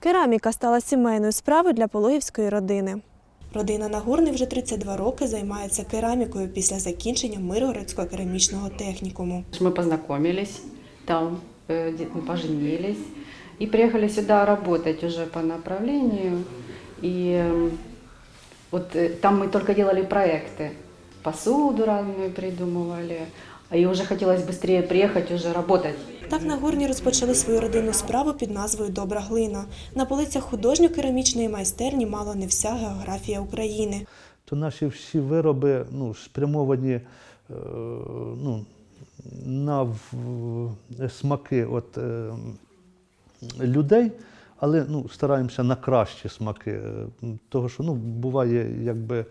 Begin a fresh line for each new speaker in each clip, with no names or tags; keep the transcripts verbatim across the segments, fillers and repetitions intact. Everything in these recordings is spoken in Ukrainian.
Кераміка стала сімейною справою для пологівської родини. Родина Нагорний вже тридцять два роки займається керамікою після закінчення Миргородського керамічного технікуму.
Ми познайомились, там поженились і приїхали сюди працювати вже по направленню. І от там ми тільки робили проекти, посуду разную придумували. І вже хотілося швидше приїхати, вже працювати.
Так Нагорні розпочали свою родинну справу під назвою «Добра глина». На полицях художньо-керамічної майстерні мало не вся географія України.
То наші всі вироби ну, спрямовані е, ну, на смаки от, е, людей, але ну, стараємося на кращі смаки. Того, що ну, буває, якби,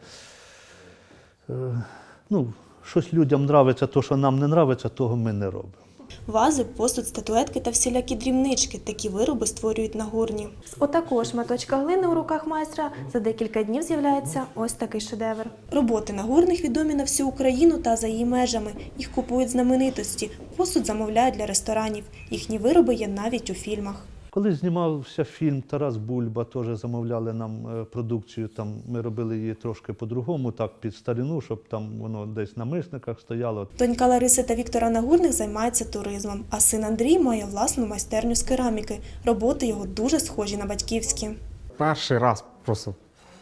е, ну, щось людям подобається, то, що нам не подобається, того ми не робимо.
Вази, посуд, статуетки та всілякі дрібнички – такі вироби створюють Нагорні. З отакого шматочка глини у руках майстра за декілька днів з'являється ось такий шедевр. Роботи Нагорних відомі на всю Україну та за її межами. Їх купують знаменитості, посуд замовляють для ресторанів. Їхні вироби є навіть у фільмах.
Коли знімався фільм «Тарас Бульба», теж замовляли нам продукцію, там ми робили її трошки по-другому, так під старину, щоб там воно десь на мисниках стояло.
Донька Лариси та Віктора Нагорних займаються туризмом, а син Андрій має власну майстерню з кераміки. Роботи його дуже схожі на батьківські.
Перший раз просто,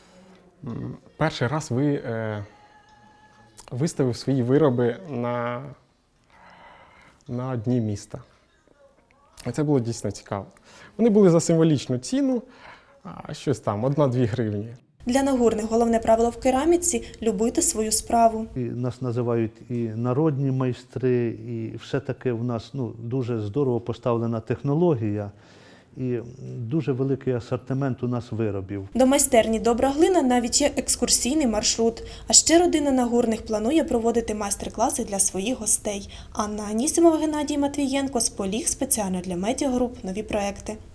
перший раз ви е, виставив свої вироби на, на дні міста. І це було дійсно цікаво. Вони були за символічну ціну, щось там, одна-дві гривні.
Для Нагорних головне правило в кераміці – любити свою справу.
І нас називають і народні майстри, і все-таки в нас ну, дуже здорово поставлена технологія і дуже великий асортимент у нас виробів.
До майстерні «Добра глина» навіть є екскурсійний маршрут. А ще родина Нагорних планує проводити майстер-класи для своїх гостей. Анна Анісімова, Геннадій Матвієнко, Споліг спеціально для Медіагруп «Нові проекти».